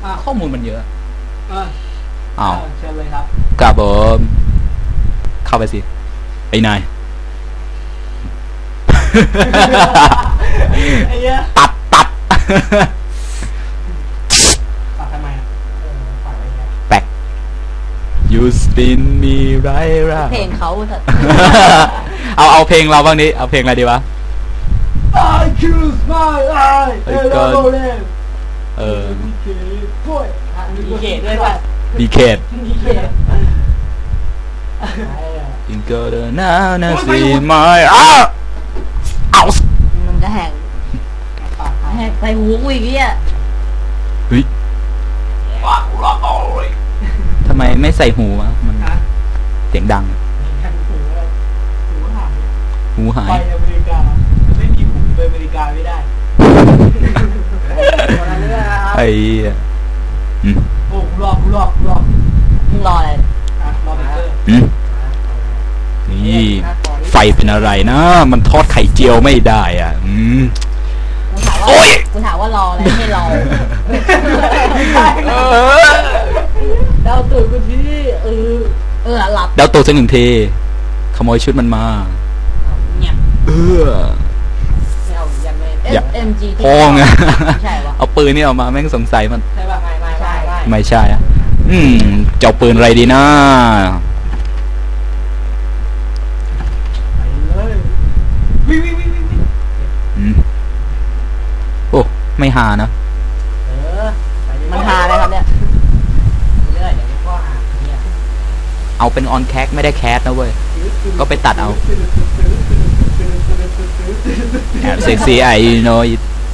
ข้อมูลมันเยอะอ้าวเชิญเลยครับกลับผมเข้าไปสิไอ้นายตัดทำไมแปลก You spin me right เพลงเขาเอาเพลงเราบ้างนี้เอาเพลงอะไรดีวะ I choose my eye มีเขตด้วยป่ะมีเขตYou go to now now see my เอามันจะแหกใส่หูกูอีกเนี่ยเฮ้ยทำไมไม่ใส่หูวะมันเสียงดังหูหายไปอเมริกาไม่มีหูไปอเมริกาไม่ได้ไอ้โอ้รอบมึงรออะไรรอเบเกอร์นี่ไฟเป็นอะไรนะมันทอดไข่เจียวไม่ได้อ่ะกูถามว่ารออะไรไม่รอเดาตูดกูทีหลับเดาตูดสักหนึ่งทีขโมยชุดมันมา SMG พองอ่ะเอาปืนนี่ออกมาแม่งสงสัยมันใช่ป่ะไม่ใช่อ่ะเจ้าปืนอะไรดีนะโอ้ไม่หานะมันหาอะไรครับเนี่ยเอาเป็นออนแคสไม่ได้แคสนะเว้ยก็ไปตัดเอาแอบเซ็กซี่ไอ้โน้ย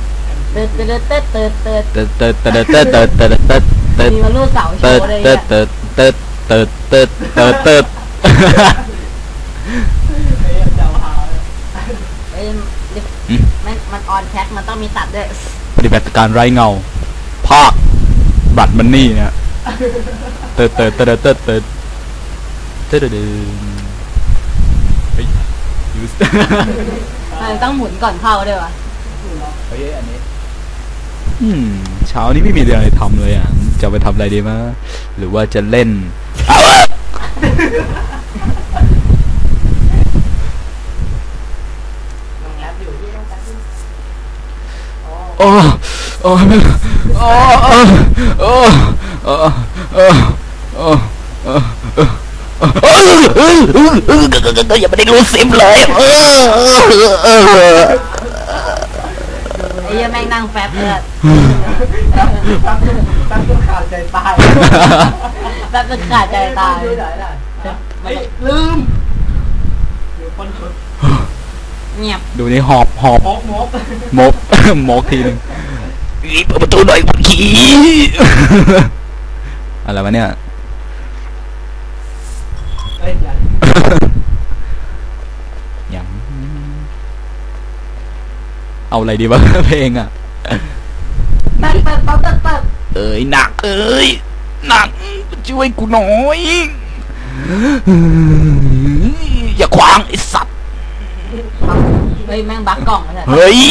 มีมาลูกเสาโชว์เลยมันออนแคสมันต้องมีตัดด้วยปฏิบัติการไร้เงาภาคบัตรมันนี่เนี่ยต้องหมุนก่อนเข้าด้วยวะเฮ้ยอันนี้เช้านี้ไม่มีอะไรทำเลยอ่ะจะไปทำอะไรดีมั้ยหรือว่าจะเล่นโอ้โอ้โอ้โอ้โอ้โอ้โอ้อย่าไปได้รู้ซิมเลยไอ้ยังแม่งนั่งแฟบเลยตั้งขาดใจตายแฟบขาดใจตายลืมเงียบดูนี่หอบมกทีนึงเปิดประตูหน่อยมันขี้อะไรวะเนี่ยยังเอาอะไรดีวะเพลงอ่ะตัดเอ้ยหนักเอ้ยหนักช่วยกูหน่อยอย่าขวางไอ้สัตว์เฮ้ยแม่งบักกล่องเลยเฮ้ย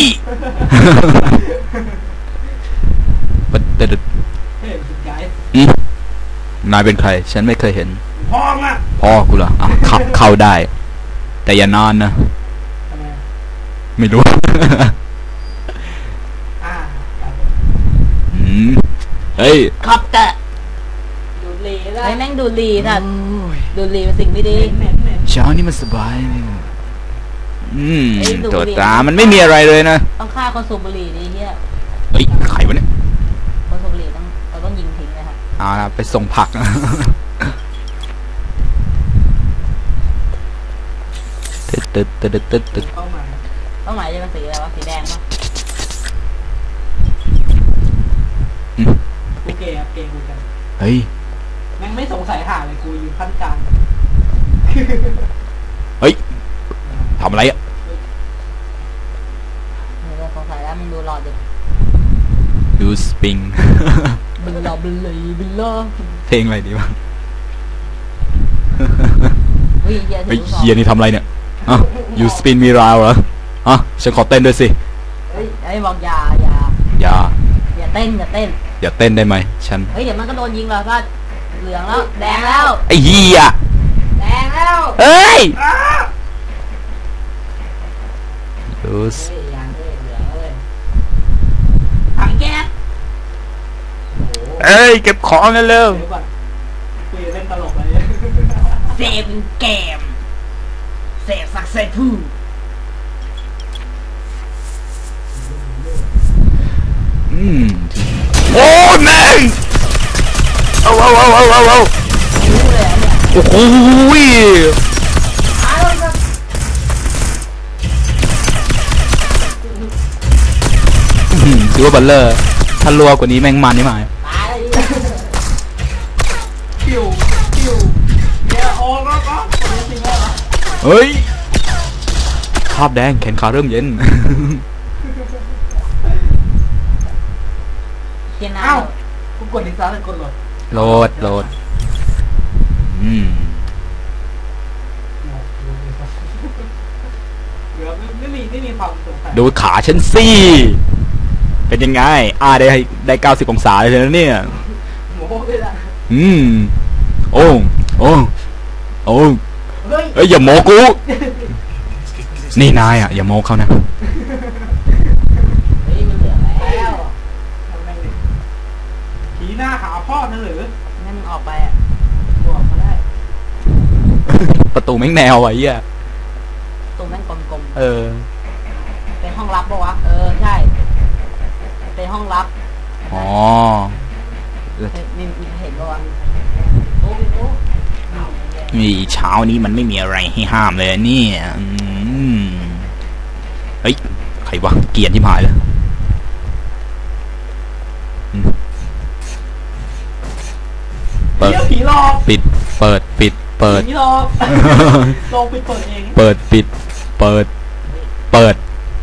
นายเป็นใครฉันไม่เคยเห็นพ่อกูเหรอขับเข้าได้แต่อย่านานนะไม่รู้เฮ้ยขับแต่ดูลีได้แม่งดูลีท่านดูลีเป็นสิ่งไม่ดีเช้านี้มันสบายตัวตามันไม่มีอะไรเลยนะต้องฆ่าคนสูบบุหรี่ดีเฮียเฮ้ยใครวะเนี่ยคนสูบบุหรี่ต้องยิงทิ้งเลยครับไปส่งผักตึ๊ดเป้าหมายจะเป็นสีอะไรวะสีแดงป่ะกูเกย์กูกันเฮ้ยแม่งไม่สงสัยหาเลยกูอยู่ขั้นกลางเฮ้ยทำอะไรอ่ะสงสัยแล้วมึงดูหลอดดิดูสปริงบิลลาเพลงอะไรดีวะเฮ้ยเฮียนี่ทำอะไรเนี่ยYou spin me round เหรอฉันขอเต้นด้วยสิไอ้บอกอย่าเต้นอย่าเต้นได้ไหมฉันเฮ้ยเดี๋ยวมันก็โดนยิงแล้วก็เหลืองแล้วแดงแล้วไอ้เหี้ยแดงแล้วเอ้ยอ้าดูสเฮ้ยยังเลยเหลืองเลยถังแก๊สโอ้โหเอ้ยเก็บของกันเร็วเดี๋ยวก่อนคุยเล่นตลกเลยเซฟเกมเซฟสักเซฟูโอ้ยแม่งเอารู้เลยอันเนี่ยโอ้โหตายแล้วครับถือว่าบัลเลอร์ถ้ารัวกว่านี้แม่งมันนี่หมายตายเลยคิวเนี่ยโอ้ก็คนนี้จริงเหรอเฮ้ยภาพแดงแขนขาเริ่มเย็นเกียร์น้เอ้ากูกดดิซ่าเลยกดโหลดโหลดอืมเหลือไม่มีความสงสัยดูขาฉันสิเป็นยังไงได้90 องศาเลยนะเนี่ยโม้ไปละโอ้เฮ้ยเอ้ยอย่าโมกู นี่นายอ่ะอย่าโมเขานะำเฮ้ยมันเหลืองแล้วทำไมเนี่ยผีหน้าหาพ่อเธอหรืองั้นมึงออกไปอ่ะบอกมาได้ประตูแม่งแนวไอ้เหี้ยตรงนั้นกลมเออๆเป็นห้องลับปะวะใช่เป็นห้องลับอ๋อนี่เห็นปะวะโอ้ยโอ้มีเช้านี้มันไม่มีอะไรให้ห้ามเลยเนี่ยเฮ้ยใครวะเกลียดที่หายเลยเปิดเดี๋ยวผีหลอกปิดเปิดปิดเปิดผีหลอกลองไปเปิดเองเปิดปิดเปิดเปิด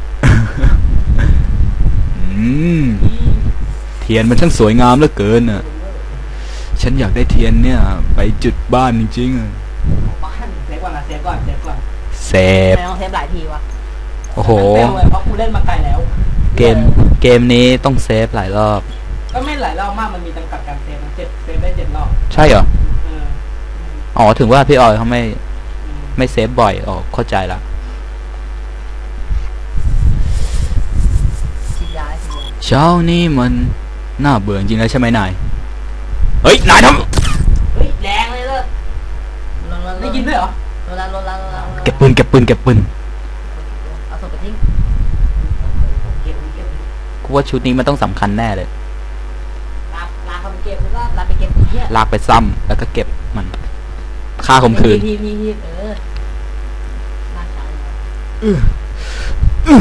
เทียนมันช่างสวยงามเหลือเกินน่ะฉันอยากได้เทียนเนี่ยไปจุดบ้านจริงๆอะบ้านเซฟก่อนนะเซฟก่อนเซฟไม่ต้องเซฟหลายทีวะโอ้โหมันเฟลเลยเพราะกูเล่นมาไกลแล้วเกมนี้ต้องเซฟหลายรอบก็ไม่หลายรอบมากมันมีจำกัดการเซฟมันเซฟได้7 รอบใช่เหรอเอออ๋อถึงว่าพี่ออยเขาอืมไม่เซฟบ่อยอ๋อเข้าใจละฉีดยาเช้านี้มันน่าเบื่อจริงแล้วใช่ไหมนายเฮ้ยนายทเฮ้ยแดงเลยเลยได้ยินด้วยเหรอโลลาำเก็บปืนเอาศพไปทิ้งเก็บกูว่าชุดนี้มันต้องสำคัญแน่เลยลาเขาไปเก็บแล้วก็ลาไปเก็บเหี้ยลากไปซ้ำแล้วก็เก็บมันค่าข่มขืนพี่ลากไป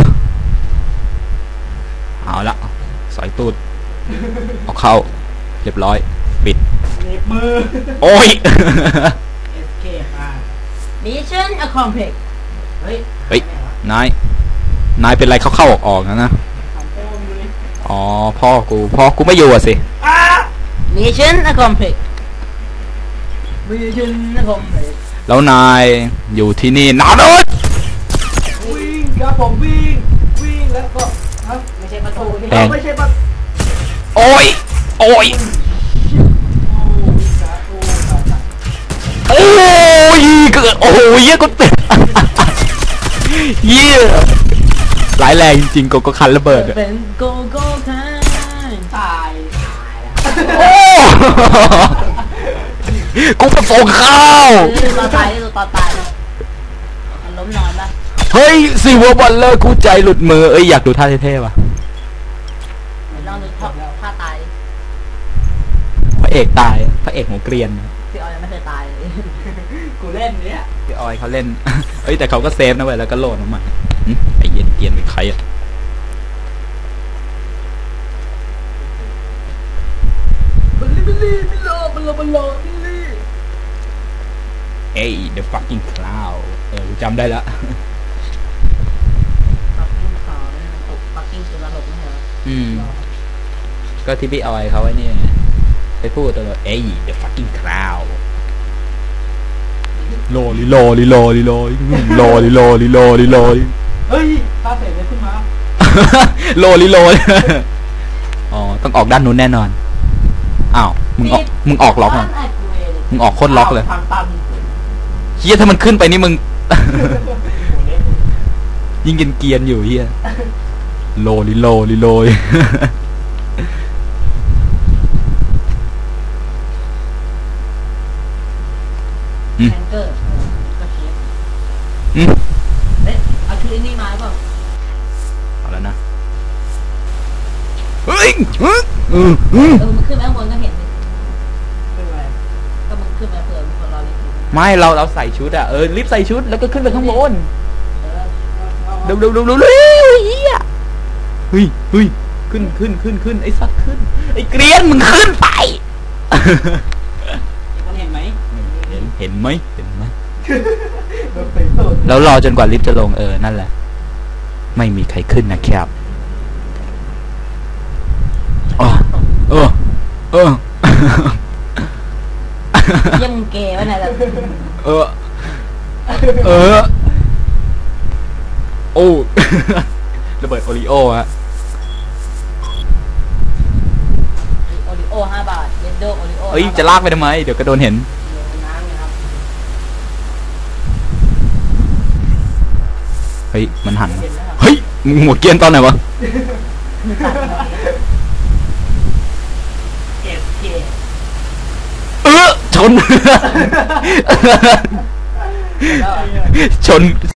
เอาละสอยตูดเอาเข้าเรียบร้อยปิดเน็บมือโอ้ย escape Mission accomplished เฮ้ยเฮ้ยนายเป็นไรเข้าออกนะทำโป้งดูดิอ๋อพ่อกูไม่อยู่อะสิอ้า Mission accomplished Mission accomplished แล้วนายอยู่ที่นี่นานเลยวิ่งครับผมวิ่งแล้วก็ฮะไม่ใช่ประตูนี่ไม่ใช่ปะโอ้ยโอ้ยโอ้ยเกิดโอ้ยเยี่ยกูติด เยี่ยหลายแรงจริงๆก็คันระเบิดอะเป็นโกโก้คันตายโอ้กูไปส่งข้าวตอนตายมันล้มนอนปะเฮ้ยซีวัวบอลเลอร์กูใจหลุดมือเอ้ยอยากดูท่าเท่ๆว่ะลองดูท่าตายพระเอกตายพระเอกหัวเกรียนพี่ออยยังไม่เคยตายเลยกูเล่นเนี้ยพี่ออยเขาเล่น เอ้ยแต่เขาก็เซฟนะเว้ยแล้วก็โหลดมาใหม่หึไอ้เย็นเกรียนเป็นใครอะบิลลี่บิลโลบิลลี่เอ้ย the fucking cloud กูจำได้ละปักกิ้งขาวปักกิ้งจุฬาหกไม่ใช่เหรอก็ที่พี่ออยเขาไว้นี่ไงไปพูดตลอดเอ้ย the fucking cloud โลลิโลลิโลลิโลโลลิโลลิโลลิโลเฮ้ยตาเสร็จเลยขึ้นมาโลลิโลอ๋อต้องออกด้านนู้นแน่นอนอ้าวมึงออกล็อกอ่ะบ้านไอ้กูเองมึงออกโคตรล็อกเลยทางตันเฮียถ้ามันขึ้นไปนี่มึง ยิ่งเกรียนๆอยู่เฮียโลลิโลลิโลยแฮงเกอร์ก็เชียร์อืมเอ๊ะเอาชุดไอ้นี่มาหรือเปล่าเอาแล้วนะเฮ้ยมันขึ้นไปข้างบนก็เห็นนี่เป็นไรก็มันขึ้นไปเผื่อมีคนรอเล่นอยู่ไม่เราใส่ชุดอะรีบใส่ชุดแล้วก็ขึ้นไปข้างบนเออเร็วเฮียเฮ้ยขึ้นไอ้สัตว์ขึ้นไอ้เกรียนมึงขึ้นไปมันเห็นไหมเห็นไหมโดนเตะตูดแล้วรอจนกว่าลิฟต์จะลงนั่นแหละไม่มีใครขึ้นนะครับเยี่ยมงเกย์วะเนี่ยแบบโอ้ ระเบิดโอริโอฮะโอริโอ5 บาทเยนโดโอริโอเอ้ยจะลากไปทำไมเดี๋ยวก็โดนเห็นอยู่ในน้ำนะครับเฮ้ยมันหันเห็นไหมครับเฮ้ยมึงหมดเกรียนตอนไหนวะเก็บเก็บชนแล้วชน